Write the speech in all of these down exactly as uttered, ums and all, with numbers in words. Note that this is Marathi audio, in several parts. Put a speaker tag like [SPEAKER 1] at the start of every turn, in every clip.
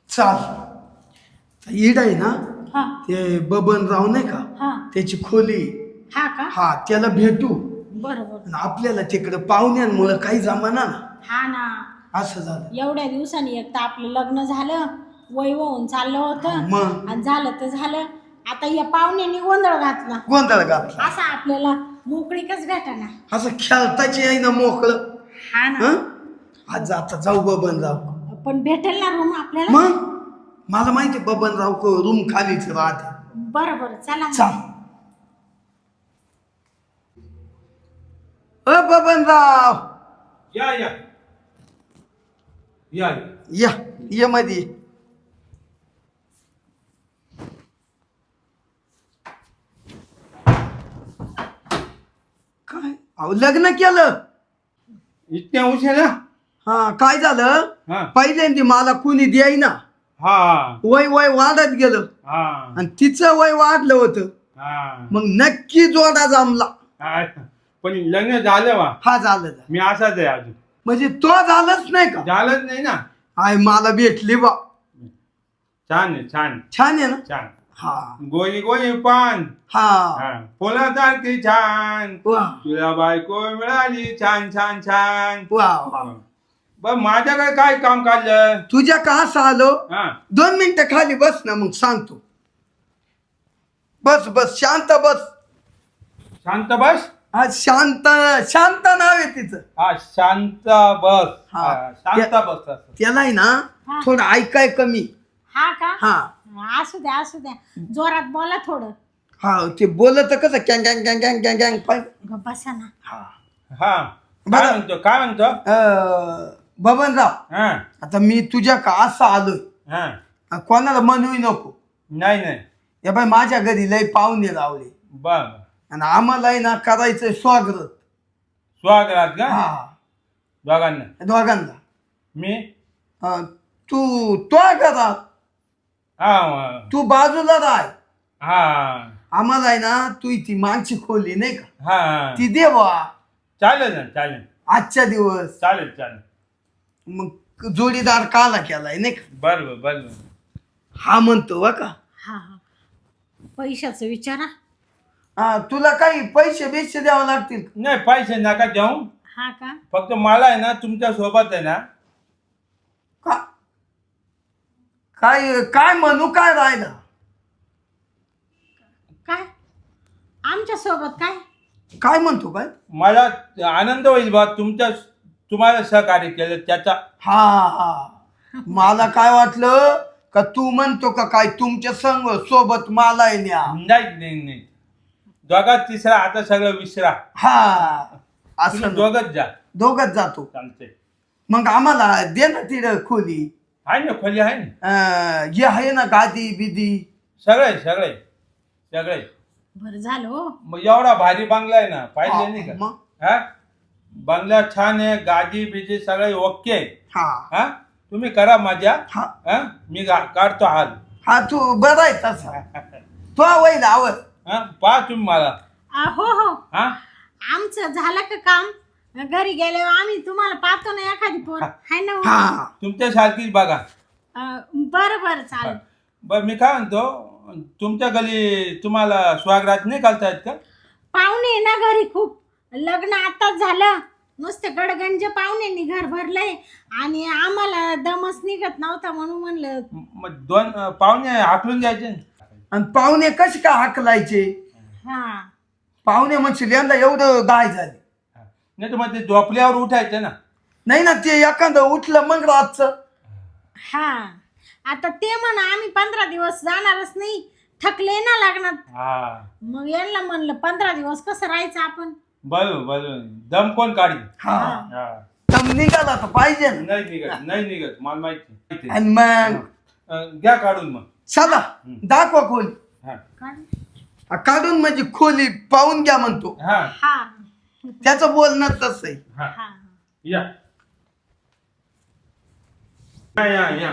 [SPEAKER 1] चाल ईड आहे ना
[SPEAKER 2] हा
[SPEAKER 1] ते बबनराव नाही का
[SPEAKER 2] हा
[SPEAKER 1] त्याची खोली
[SPEAKER 2] हा का
[SPEAKER 1] हा त्याला भेटू
[SPEAKER 2] बरोबर
[SPEAKER 1] आणि आपल्याला तिकडं पाहुण्यांमुळं काही जमाना ना
[SPEAKER 2] हा ना
[SPEAKER 1] असं झालं.
[SPEAKER 2] एवढ्या दिवसांनी एक तर आपलं लग्न झालं वय होऊन चाललं होतं
[SPEAKER 1] मग
[SPEAKER 2] आणि झालं तर झालं आता या पाहुण्यांनी गोंधळ घातला
[SPEAKER 1] गोंधळ घातला
[SPEAKER 2] असं आपल्याला मोकळीकच भेटाना
[SPEAKER 1] असं खेळताची आहे ना मोकळं.
[SPEAKER 2] हा ना
[SPEAKER 1] हं? आज आता जाऊ बबनराव.
[SPEAKER 2] पण भेटेल ना रूम आपल्याला
[SPEAKER 1] मग मला माहिती बबनराव को रूम खालीच राहते.
[SPEAKER 2] बरं बरं चला मग.
[SPEAKER 1] चाल अ बबनराव
[SPEAKER 3] या या या
[SPEAKER 1] या ये मध्ये काय अहो लग्न केलं.
[SPEAKER 3] इतक्या उशिरा
[SPEAKER 1] हा काय झालं
[SPEAKER 3] हा
[SPEAKER 1] पहिल्यांदा मला कुणी द्यायना
[SPEAKER 3] हा
[SPEAKER 1] वय वय वाढत गेलं
[SPEAKER 3] हा
[SPEAKER 1] आणि तिचं वय वाढलं होतं
[SPEAKER 3] हा
[SPEAKER 1] मग नक्की जोडा जमला.
[SPEAKER 3] हा. पण लग्न झालं वा
[SPEAKER 1] हा झालं झालं.
[SPEAKER 3] मी असाच आहे अजून
[SPEAKER 1] म्हणजे तो झालंच नाही का
[SPEAKER 3] झालंच नाही ना.
[SPEAKER 1] आय मला भेटली बा
[SPEAKER 3] छान आहे छान
[SPEAKER 1] छान आहे ना.
[SPEAKER 3] छान
[SPEAKER 1] हा
[SPEAKER 3] गोळी गोळी पान
[SPEAKER 1] हा
[SPEAKER 3] हा फुलासारखी छान
[SPEAKER 1] वा
[SPEAKER 3] तुला बायको मिळाली छान छान छान
[SPEAKER 1] वा वा.
[SPEAKER 3] बर माझ्याकडे काय काम काढलं
[SPEAKER 1] तुझ्या का असं आलो
[SPEAKER 3] हा
[SPEAKER 1] दोन मिनिटं खाली बस ना मग सांगतो. बस बस शांत बस.
[SPEAKER 3] शांत बस
[SPEAKER 1] हा शांत शांत नाव आहे तिचं.
[SPEAKER 3] हा शांत बस
[SPEAKER 1] हा.
[SPEAKER 3] हा, शांत बस असं.
[SPEAKER 1] त्याला आहे ना
[SPEAKER 2] हा.
[SPEAKER 1] थोडं ऐकाय कमी.
[SPEAKER 2] हा का
[SPEAKER 1] हा
[SPEAKER 2] असू द्या असू द्या जोरात बोला थोडं
[SPEAKER 1] हा ते बोलत कसं गँग गँग गँग गँग गँग गँग पाय.
[SPEAKER 2] ग बसा ना
[SPEAKER 1] हा
[SPEAKER 3] हा
[SPEAKER 1] बरं.
[SPEAKER 3] काय म्हणतो काय म्हणतो
[SPEAKER 1] अं, बबनराव
[SPEAKER 3] हा
[SPEAKER 1] आता मी तुझ्या का असं आलोय
[SPEAKER 3] हा
[SPEAKER 1] कोणाला म्हणूही नको.
[SPEAKER 3] नाही नाही
[SPEAKER 1] या बाई माझ्या घरी लय पाहुणे रावले
[SPEAKER 3] बर
[SPEAKER 1] आणि आम्हालाही ना करायचंय स्वागत.
[SPEAKER 3] स्वागत का
[SPEAKER 1] हा
[SPEAKER 3] दोघांना
[SPEAKER 1] दोघांना
[SPEAKER 3] मी
[SPEAKER 1] अं, तू तो घरात
[SPEAKER 3] हा
[SPEAKER 1] तू बाजूला राह.
[SPEAKER 3] हा
[SPEAKER 1] आम्हाला आहे ना तू ती मागची खोली नाही का
[SPEAKER 3] हा
[SPEAKER 1] ती देवा
[SPEAKER 3] चालेल ना चालेल
[SPEAKER 1] आजच्या दिवस.
[SPEAKER 3] चालेल चालेल
[SPEAKER 1] मग जोडीदार काला केलाय नाही का.
[SPEAKER 3] बर बर बर
[SPEAKER 1] हा म्हणतो वा का.
[SPEAKER 2] हा हा पैशाचं विचारा
[SPEAKER 1] हा तुला काही पैसे बिशे द्यावे लागतील.
[SPEAKER 3] नाही पैसे नका देऊ
[SPEAKER 2] हा का
[SPEAKER 3] फक्त मला आहे ना तुमच्या सोबत आहे ना
[SPEAKER 1] का काय काय म्हणू काय राहिलं.
[SPEAKER 2] काय आमच्या सोबत काय
[SPEAKER 1] काय म्हणतो काय.
[SPEAKER 3] मला आनंद होईल बा तुमच्या तुम्हाला सहकार्य केलं त्याचा
[SPEAKER 1] हा हा मला काय वाटलं का तू म्हणतो का काय तुमच्या संग सोबत मला न्या.
[SPEAKER 3] नाही नाही नाही दोघात तिसरा आता सगळं विसरा
[SPEAKER 1] हा
[SPEAKER 3] तुम्ही
[SPEAKER 1] असं
[SPEAKER 3] दोघच जा
[SPEAKER 1] दोघच जातो.
[SPEAKER 3] चालते
[SPEAKER 1] मग आम्हाला दे ना तिथं खोली.
[SPEAKER 3] आहे ना खोली आहे ना
[SPEAKER 1] अं, हे आहे ना गादी बिदी.
[SPEAKER 3] सगळे सगळे सगळे
[SPEAKER 2] बरं झालं हो
[SPEAKER 3] मग एवढा भारी बंगला आहे ना पाहिले नाही का
[SPEAKER 1] मग
[SPEAKER 3] हा बंगला छान आहे गादी बिजी सगळे ओके आहे.
[SPEAKER 1] हा
[SPEAKER 3] हा तुम्ही करा मजा
[SPEAKER 1] हा
[SPEAKER 3] हा मी गा- काढतो हाल
[SPEAKER 1] हा तू बरा आहे तसा तो होईल आवड.
[SPEAKER 3] हा पहा तुम्ही मला
[SPEAKER 2] आ, हो हो
[SPEAKER 3] हा
[SPEAKER 2] आमचं झालं का काम घरी गेल्यावर आम्ही तुम्हाला पाहतो ना एखादी पोर हाय ना हो?
[SPEAKER 1] हा
[SPEAKER 3] तुमच्यासारखीच बघा
[SPEAKER 2] अ, बरं बरं चालेल
[SPEAKER 3] बर मी काय म्हणतो तुमच्या गली तुम्हाला स्वागत नाही घालता येत का
[SPEAKER 2] पाहुणे आहे ना घरी खूप लग्न आताच झालं नुसते गडगंज पाहुण्यांनी घर भरलंय आणि आम्हाला दमच निघत नव्हता म्हणून म्हणलं
[SPEAKER 3] मग दोन अं, पाहुणे हाकलून द्यायचे ना.
[SPEAKER 1] आणि पाहुणे कसे का हाकलायचे.
[SPEAKER 2] हा
[SPEAKER 1] पाहुणे म्हणशील यंदा एवढं गाय झाले.
[SPEAKER 3] नाही तर मग ते झोपल्यावर उठायचं ना
[SPEAKER 1] नाही ना ते एखादं उठलं मग रातचं.
[SPEAKER 2] हा आता ते म्हणा आम्ही पंधरा दिवस जाणारच नाही थकले ना लग्नात
[SPEAKER 3] हा
[SPEAKER 2] मग यांना म्हणलं पंधरा दिवस कसं राहायचं आपण
[SPEAKER 3] बरोबर बरोबर दम कोण काढी
[SPEAKER 1] हा
[SPEAKER 3] हा
[SPEAKER 1] दम निघाला तर पाहिजे ना.
[SPEAKER 3] नाही निघत नाही निघत मला माहिती माहिती.
[SPEAKER 1] आणि मग
[SPEAKER 3] अं, घ्या काढून मग
[SPEAKER 1] चला दाखवा खोली.
[SPEAKER 3] हा
[SPEAKER 2] काय?
[SPEAKER 1] काढून म्हणजे खोली पाहून घ्या म्हणतो.
[SPEAKER 3] हा
[SPEAKER 2] हा
[SPEAKER 1] त्याचं बोलणं तसं आहे.
[SPEAKER 3] हा
[SPEAKER 2] हा
[SPEAKER 3] या या या या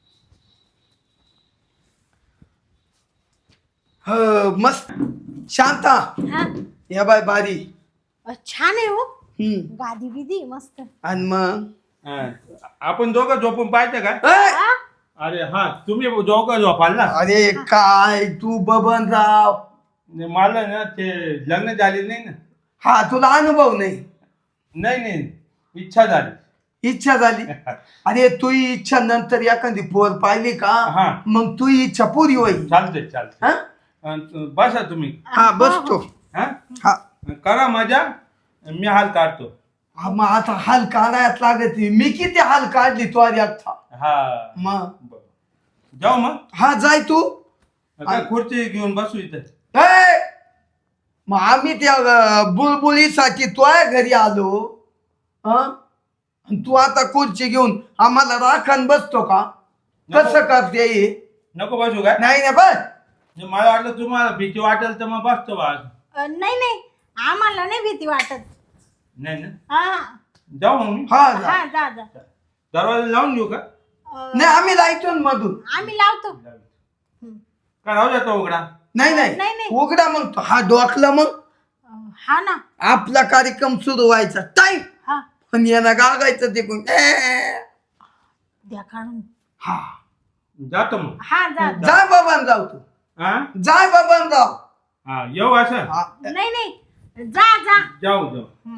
[SPEAKER 1] ह मस्त शांता
[SPEAKER 2] हा
[SPEAKER 1] या बाय बारी.
[SPEAKER 2] अ, छान आहे हो
[SPEAKER 1] हम्म
[SPEAKER 2] गादी बिदी मस्त
[SPEAKER 1] आणि मग
[SPEAKER 3] हा. आपण दोघं झोपून पाहायचं का
[SPEAKER 1] ए,
[SPEAKER 2] हा?
[SPEAKER 3] अरे हा तुम्ही दोघं झोपाल ना.
[SPEAKER 1] अरे काय तू बबनराव,
[SPEAKER 3] नाही, मला ना ते लग्न झाले नाही ना.
[SPEAKER 1] हा तुला अनुभव नाही,
[SPEAKER 3] नाही नाही इच्छा झाली.
[SPEAKER 1] इच्छा झाली. अरे तू इच्छा नंतर एखादी पोर पाहिली का
[SPEAKER 3] हा.
[SPEAKER 1] मग तू इच्छा पुरी होईल.
[SPEAKER 3] चालतंय चालतंय.
[SPEAKER 1] हा
[SPEAKER 3] अन बसा तुम्ही.
[SPEAKER 1] हा बसतो.
[SPEAKER 3] हा
[SPEAKER 1] हा
[SPEAKER 3] करा मजा, मी हाल काढतो.
[SPEAKER 1] हा, मग आता हाल काढायच लागत नाही. मी किती हाल काढली तो आधी आता.
[SPEAKER 3] हा
[SPEAKER 1] मग
[SPEAKER 3] बरं. जाऊ मग.
[SPEAKER 1] हा जाय तू.
[SPEAKER 3] काय खुर्ची घेऊन बसू इथे.
[SPEAKER 1] ए, मग आम्ही त्या अं, बुलबुलीसाठी तो घरी आलो. हं? आणि तू आता खुर्ची घेऊन आम्हाला राखण बसतो का? कसं करते हे?
[SPEAKER 3] नको बसू काय.
[SPEAKER 1] नाही ना बस.
[SPEAKER 3] जे मला वाटलं तुम्हाला भीती वाटेल तर मग बसतो बा.
[SPEAKER 2] अ, नाही नाही आम्हाला नाही भीती वाटत.
[SPEAKER 3] नाही ना.
[SPEAKER 2] हा
[SPEAKER 3] जाऊ मग मी.
[SPEAKER 1] हा जा.
[SPEAKER 2] हा जा जा.
[SPEAKER 3] दरवाजा लावून घेऊ का.
[SPEAKER 2] अ,
[SPEAKER 1] नाही आम्ही लायतो ना मधून.
[SPEAKER 2] आम्ही लावतो. हं.
[SPEAKER 3] का राहू जातो उघडा.
[SPEAKER 1] नाही
[SPEAKER 2] नाही,
[SPEAKER 1] नाही
[SPEAKER 2] नाही.
[SPEAKER 1] उघडा मग तो. हा डोकला मग
[SPEAKER 2] अ, हा ना.
[SPEAKER 1] आपला कार्यक्रम सुरू व्हायचा टाईम.
[SPEAKER 2] हा
[SPEAKER 1] पण यांना गागायचं ते कोण ए.
[SPEAKER 2] द्या काढून.
[SPEAKER 1] हा
[SPEAKER 3] जातो मग.
[SPEAKER 2] हा जा जा.
[SPEAKER 1] जाय बाबान जाऊ तू.
[SPEAKER 3] हा
[SPEAKER 1] जाय बाबान जाऊ.
[SPEAKER 3] हा येऊ असं.
[SPEAKER 1] हा.
[SPEAKER 2] नाही नाही जा जा.
[SPEAKER 3] जाऊ जाऊ.
[SPEAKER 2] हं.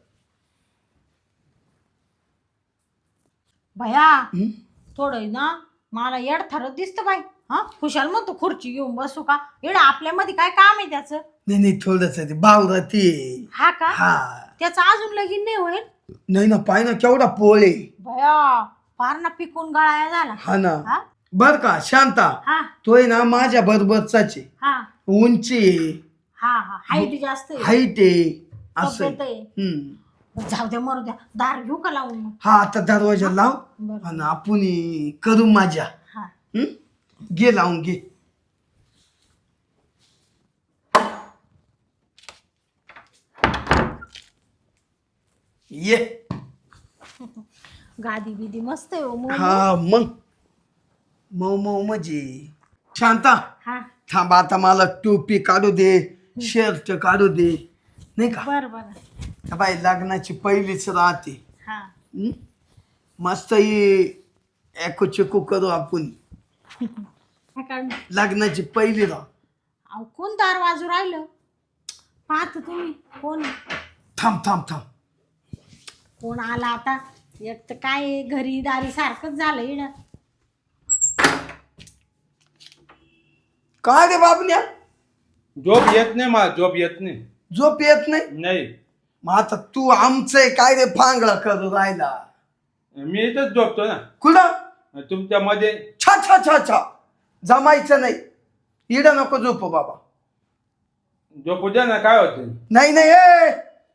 [SPEAKER 2] भया
[SPEAKER 1] हं?
[SPEAKER 2] थोडं ना मला येड थरत दिसतं बाई. हा खुशाल म्हणतो खुर्ची घेऊन बसू का. येड आपल्यामध्ये काय काम आहे त्याचं.
[SPEAKER 1] नाही नाही थोडस ते बावराती.
[SPEAKER 2] हा का
[SPEAKER 1] हा
[SPEAKER 2] त्याचं अजून लगीन नाही होईल.
[SPEAKER 1] नाही ना पाय ना केवढा पोळे.
[SPEAKER 2] भया फार ना पिकून गळाया झाला.
[SPEAKER 1] हा ना
[SPEAKER 2] हा
[SPEAKER 1] बर का शांता,
[SPEAKER 2] हा
[SPEAKER 1] तोय ना माझ्या बरोबरचाच आहे.
[SPEAKER 2] हा
[SPEAKER 1] उंची आहे,
[SPEAKER 2] हा हा हाईट जास्त आहे.
[SPEAKER 1] हाईट आहे असं
[SPEAKER 2] तब्येत आहे.
[SPEAKER 1] हम्म.
[SPEAKER 2] जाऊ द्या मरू द्या. दार घेऊ का लावून मग.
[SPEAKER 1] हा आता दरवाजा लाव
[SPEAKER 2] बरं
[SPEAKER 1] आणि आपण करू माझ्या.
[SPEAKER 2] हा
[SPEAKER 1] हम्म? घे लावून घे. ये.
[SPEAKER 2] गादी बिदी मस्त आहे हो मऊ.
[SPEAKER 1] हा मग मऊ मऊ म्हणजे शांता
[SPEAKER 2] हा
[SPEAKER 1] थांब आता मला टोपी काढू दे, शर्ट काढू दे, नाही का.
[SPEAKER 2] बर बर
[SPEAKER 1] बाई लग्नाची पहिलीच राहते.
[SPEAKER 2] हा
[SPEAKER 1] हं? मस्त ही एको चेको करू आपण.
[SPEAKER 2] काय काढून.
[SPEAKER 1] लग्नाची पहिली राह.
[SPEAKER 2] अहो कोण दार वाजू राहिलं. पाहत तुम्ही कोण
[SPEAKER 1] थांब थांब थांब.
[SPEAKER 2] कोण आला आता. एक तर काय आहे, घरी दारी सारखंच झालं इड.
[SPEAKER 1] काय रे बाबन्या,
[SPEAKER 3] झोप येत नाही मला. झोप येत नाही.
[SPEAKER 1] झोप येत नाही.
[SPEAKER 3] नाही
[SPEAKER 1] मग आता तू आमचं काय रे फांगडा करू राहिला.
[SPEAKER 3] मी इथंच झोपतो ना
[SPEAKER 1] कुठं.
[SPEAKER 3] तुमच्या मध्ये.
[SPEAKER 1] छा छा छा छा जमायचं नाही. इड नको झोप बाबा.
[SPEAKER 3] झोपू द्या ना. काय होते.
[SPEAKER 1] नाही नाही ए.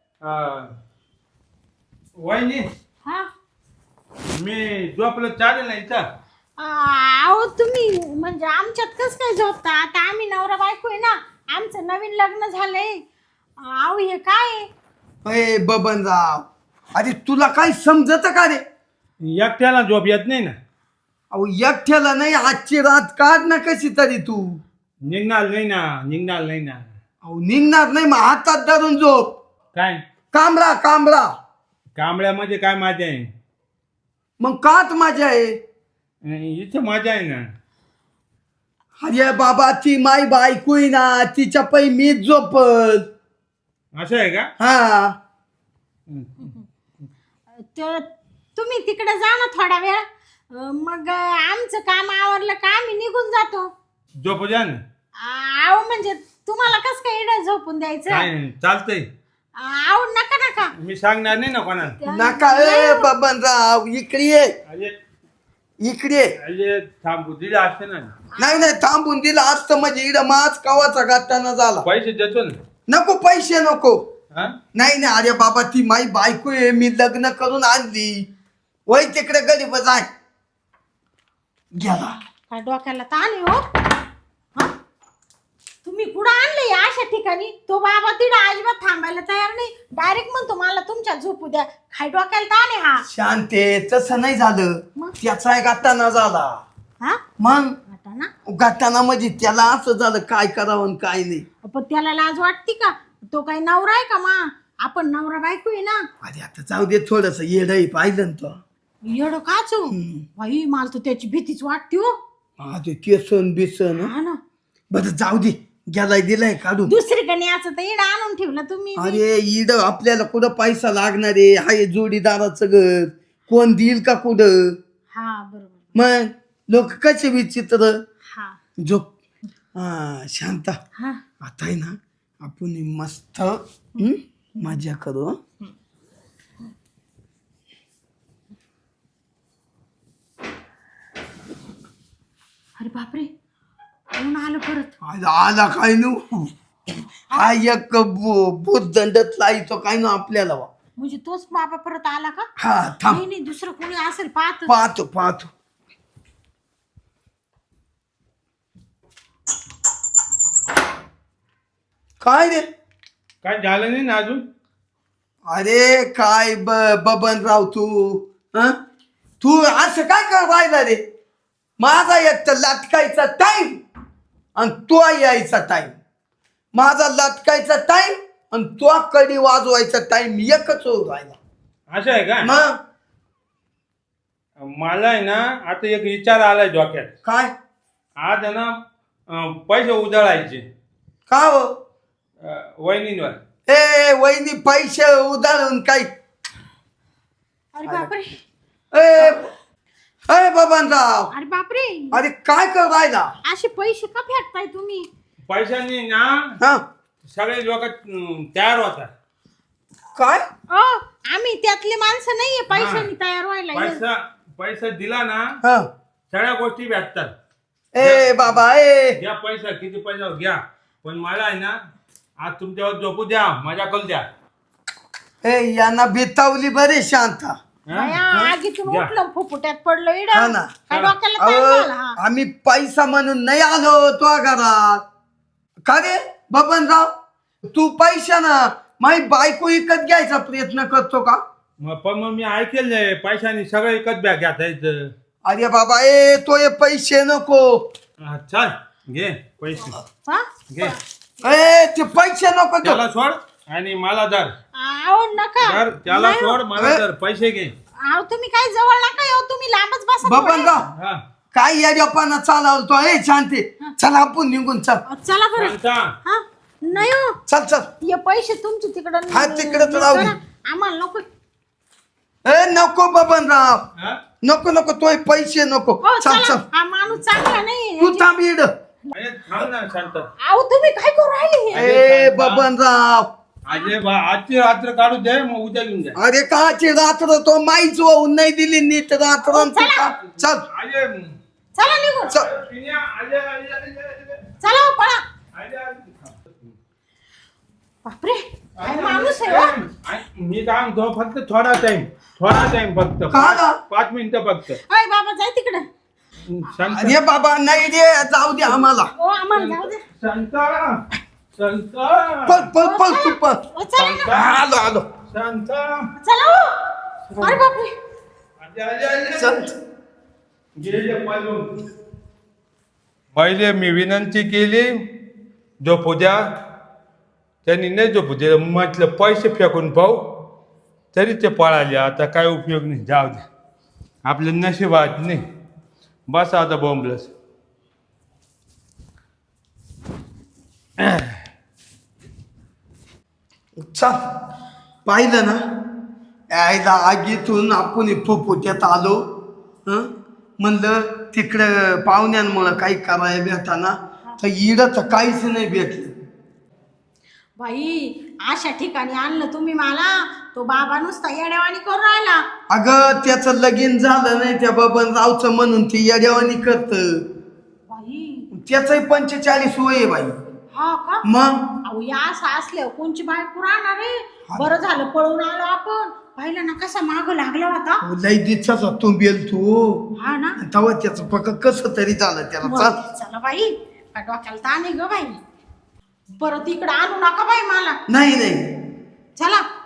[SPEAKER 3] वहिनी
[SPEAKER 2] हा
[SPEAKER 3] मी झोपलं चालेल ना इथं.
[SPEAKER 2] अहो तुम्ही म्हणजे आमच्यात कस काय झोपता. आता आम्ही नवरा बायको आहे ना. आमचं नवीन लग्न झालंय. अहो हे काय आहे?
[SPEAKER 1] अय बबनराव, अरे तुला काय समजत का रे.
[SPEAKER 3] एकट्याला झोप येत नाही ना.
[SPEAKER 1] अहो एकट्याला नाही, आजची रात काढ ना कशी तरी तू.
[SPEAKER 3] निघणार नाही ना. निघणार नाही ना.
[SPEAKER 1] अहो निघणार नाही मग हातात धरून झोप.
[SPEAKER 3] काय
[SPEAKER 1] कांबळा कांबळा.
[SPEAKER 3] कांबळ्यामध्ये काय मजा आहे.
[SPEAKER 1] मग कात मजा आहे.
[SPEAKER 3] इथे मजा आहे ना.
[SPEAKER 1] अरे बाबा ती माई बायको आहे ना, तिच्या पै मीच झोपल.
[SPEAKER 3] असं आहे का.
[SPEAKER 1] हा
[SPEAKER 2] तर तुम्ही तिकडे जा ना थोडा वेळ. अं, मग आमचं काम आवरलं का आम्ही निघून जातो.
[SPEAKER 3] झोपू द्या ना.
[SPEAKER 2] अहो म्हणजे तुम्हाला कस काय इकडे झोपून द्यायचं.
[SPEAKER 3] काय चालतंय.
[SPEAKER 2] अहो नका नका.
[SPEAKER 3] मी सांगणार नाही ना कोणाला.
[SPEAKER 1] नका ए बबनराव इकडे ये.
[SPEAKER 3] अरे
[SPEAKER 1] इकडे ये.
[SPEAKER 3] अरे थांबू दिले असते ना.
[SPEAKER 1] नाही नाही थांबून दिलं असतं म्हणजे इड माच कवाचा गाठाना झाला.
[SPEAKER 3] पैसे देतो ना.
[SPEAKER 1] नको पैसे नको.
[SPEAKER 3] हा
[SPEAKER 1] नाही नाही अरे बाबा ती माई बायको आहे, मी लग्न करून आणली. वय तिकडे गरीब जाय गेला.
[SPEAKER 2] काय डोक्याला ताण आहे हो. हा? तुम्ही कुठं आणले या अशा ठिकाणी. तो बाबा तिला अजिबात थांबायला तयार नाही. डायरेक्ट म्हणतो मला तुमच्या झोपू द्या. काय डोक्याला ताण आहे हा.
[SPEAKER 1] शांते तसं नाही झालं.
[SPEAKER 2] मग?
[SPEAKER 1] त्याचा गाठाना झाला.
[SPEAKER 2] हा
[SPEAKER 1] मग
[SPEAKER 2] आता ना
[SPEAKER 1] गाठाना म्हणजे त्याला असं झालं काय करावं आणि काय नाही.
[SPEAKER 2] पण त्याला लाज वाटते का. तो काही नवरा आहे का मा. आपण नवरा बायको आहे ना.
[SPEAKER 1] अरे आता जाऊ दे थोडस येडही पाहिलं ना तो.
[SPEAKER 2] येड काचू बाई मला तर त्याची भीतीच वाटते हो.
[SPEAKER 1] हा ते केसन बिसन
[SPEAKER 2] हा ना
[SPEAKER 1] बरं जाऊ दे गेलाय दिलाय काढून.
[SPEAKER 2] दुसरीकडे न्यायचं तर इड आणून ठेवलं तुम्ही.
[SPEAKER 1] अरे इड आपल्याला कुठं पैसा लागणार आहे हाय जोडीदाराचं घर कोण देईल का कुठं.
[SPEAKER 2] हा बरोबर.
[SPEAKER 1] मग लोक कसे विचित्र.
[SPEAKER 2] हा
[SPEAKER 1] झोप हा शांता
[SPEAKER 2] हा
[SPEAKER 1] आता आहे ना आपण मस्त हं, मजा करू हं?
[SPEAKER 2] अरे बापरे कोण आलं परत.
[SPEAKER 1] आज आला काय नु हा एक भूतदंडतला येतो काय नु आपल्याला वा.
[SPEAKER 2] म्हणजे तोच बाबा परत आला का.
[SPEAKER 1] हा थांब
[SPEAKER 2] नाही नाही दुसरं कोणी असेल पाहत.
[SPEAKER 1] पाहतो पाहतो. काय रे
[SPEAKER 3] काय झालं नाही ना अजून.
[SPEAKER 1] अरे काय ब बबनराव तू हं? तू असं काय कर राहिला रे. माझा एक तर लटकायचा टाइम आणि तो यायचा टाइम. माझा लटकायचा टाइम आणि तो कडी वाजवायचा टाइम एकच होऊन राहिला.
[SPEAKER 3] असं आहे का.
[SPEAKER 1] मग
[SPEAKER 3] मला आहे ना आता एक विचार आलाय डोक्यात.
[SPEAKER 1] काय
[SPEAKER 3] आज आहे ना अं, पैसे उधळायचे
[SPEAKER 1] का हो
[SPEAKER 3] अं, वहिनींवर.
[SPEAKER 1] ए वहिनी पैसे उधळून काही
[SPEAKER 2] अरे बापरे
[SPEAKER 1] ए अरे बबनराव
[SPEAKER 2] अरे बापरे
[SPEAKER 1] अरे काय कर राहिला.
[SPEAKER 2] असे पैसे का फेकताय तुम्ही.
[SPEAKER 3] पैशांनी ना
[SPEAKER 1] हा
[SPEAKER 3] सगळे लोक अं, तयार होतात.
[SPEAKER 1] काय
[SPEAKER 2] ओ आम्ही त्यातले माणसं नाहीये पैशानी तयार व्हायला.
[SPEAKER 3] पैसा पैसा दिला ना
[SPEAKER 1] हा
[SPEAKER 3] सगळ्या गोष्टी भेटतात.
[SPEAKER 1] ए बाबा ए
[SPEAKER 3] घ्या पैसा किती पैसा घ्या पण मला आहे ना आज तुमच्यावर झोपू द्या मजा करू द्या.
[SPEAKER 1] ए यांना बितावली बरे शांता.
[SPEAKER 3] हं?
[SPEAKER 2] बाया, आगीतून
[SPEAKER 3] घ्या.
[SPEAKER 2] उठलं फुफुट्यात पडलं इड.
[SPEAKER 1] हा ना.
[SPEAKER 2] काय डोक्याला
[SPEAKER 1] अहो,
[SPEAKER 2] ताण झाला, हा.
[SPEAKER 1] आम्ही पैसा म्हणून नाही आलो तो घरात. का रे बबनराव तू पैसा ना माझी बायको विकत घ्यायचा प्रयत्न करतो का.
[SPEAKER 3] मग पण मग मी ऐकेल पैशानी सगळं एकच बॅग घ्यायचं.
[SPEAKER 1] अरे बाबा ए तो हे पैसे नको.
[SPEAKER 3] हा, चल घे पैसे
[SPEAKER 2] हा?
[SPEAKER 3] घे
[SPEAKER 1] ए ते पैसे नको तो.
[SPEAKER 3] त्याला सोड आणि मला धर.
[SPEAKER 2] आओ नका
[SPEAKER 3] धर त्याला
[SPEAKER 2] नाही हो.
[SPEAKER 3] सोड मला धर पैसे घे.
[SPEAKER 2] आओ तुम्ही काय जवळ नका येऊ तुम्ही लांबच बसा थोडे.
[SPEAKER 1] बबनराव
[SPEAKER 3] हा
[SPEAKER 1] काय या जपाना चालवतो ए शांती. चल आपण निघून चल.
[SPEAKER 2] चला बरं.
[SPEAKER 3] शांता.
[SPEAKER 2] हा नाही हो
[SPEAKER 1] चल चल
[SPEAKER 2] हे पैसे तुमचे तिकडं
[SPEAKER 1] हा, तिकडं तर राहू दे.
[SPEAKER 2] करा. आम्हाला नको.
[SPEAKER 1] ए नको बबनराव
[SPEAKER 3] हा?
[SPEAKER 1] नको नको तो हे पैसे नको.
[SPEAKER 2] हो
[SPEAKER 1] चल
[SPEAKER 2] चला
[SPEAKER 1] चल
[SPEAKER 2] हा माणूस चांगला नाही.
[SPEAKER 1] तू थांब इड.
[SPEAKER 3] अरे थांब ना शांत.
[SPEAKER 2] आओ तुम्ही काय करू राहिले हे?
[SPEAKER 1] ए बबनराव
[SPEAKER 3] अजय बा आजची रात्र काढू दे मग उद्या घेऊन जा.
[SPEAKER 1] अरे काची रात्र तो माईच होऊन नाही दिली नीट रात्र आणि तू का चल
[SPEAKER 3] अजय
[SPEAKER 2] चला निघून
[SPEAKER 1] चल.
[SPEAKER 3] पिन्या, अजय अजय अजय अजय.
[SPEAKER 2] चला हो, पळा.
[SPEAKER 3] अजय, अजय.
[SPEAKER 2] बापरे काय माणूस आहे हो.
[SPEAKER 3] अरे, मी काय म्हणतो फक्त थोडा टाइम थोडा टाइम फक्त
[SPEAKER 1] का ग?
[SPEAKER 3] पाच मिनिटं फक्त.
[SPEAKER 2] अय बाबा जाय तिकडे.
[SPEAKER 3] शांत
[SPEAKER 1] अरे बाबा नाही रे जाऊ दे आम्हाला.
[SPEAKER 2] ओ आम्हाला जाऊ दे.
[SPEAKER 3] शांता शांता
[SPEAKER 1] पळ पळ पळ तू पळ.
[SPEAKER 2] ओ चला ना.
[SPEAKER 1] आलो आलो
[SPEAKER 3] शांता.
[SPEAKER 2] चला हो. अरे बापरे
[SPEAKER 3] अजय अजय अजय.
[SPEAKER 1] चल.
[SPEAKER 3] गेले पळून. पहिले मी विनंती केली झोपू द्या त्यांनी नाही झोपू दिलं म्हटलं पैसे फेकून पाहू तरी ते पळाले. आता काय उपयोग नाही जाऊ दे आपलं नशिबात नाही. बस आता बॉम्बलस.
[SPEAKER 1] चल पाहिलं ना यायला आगीतून आपण फुफुट्यात आलो. हं म्हणलं तिकडं पाहुण्यांमुळं काही करायला भेटाना तर इडं तर काहीच नाही भेटलं.
[SPEAKER 2] बाई अशा ठिकाणी आणलं तुम्ही मला. तो बाबा नुसता येड्यावानी करून राहिला.
[SPEAKER 1] अगं त्याचं लगीन झालं नाही त्या बबनरावचं म्हणून ती येड्यावानी करत.
[SPEAKER 2] बाई
[SPEAKER 1] त्याचंही पंचेचाळीस वय आहे बाई.
[SPEAKER 2] हा का
[SPEAKER 1] मग
[SPEAKER 2] अहो या असं असल्यावर कोणची बायको राहणार आहे. बरं झालं पळून आलो आपण. पाहिलं ना कसा माग लागला होता.
[SPEAKER 1] लई दिवसाचा तू बेल तू
[SPEAKER 2] हा ना
[SPEAKER 1] तेव्हा त्याचं पक्क कसं तरी झालं त्याला.
[SPEAKER 2] मग
[SPEAKER 1] चल
[SPEAKER 2] चला बाई काय डोक्याला ताण आहे ग बाई. परत इकडे आणू नका बाई मला.
[SPEAKER 1] नाही नाही
[SPEAKER 2] चला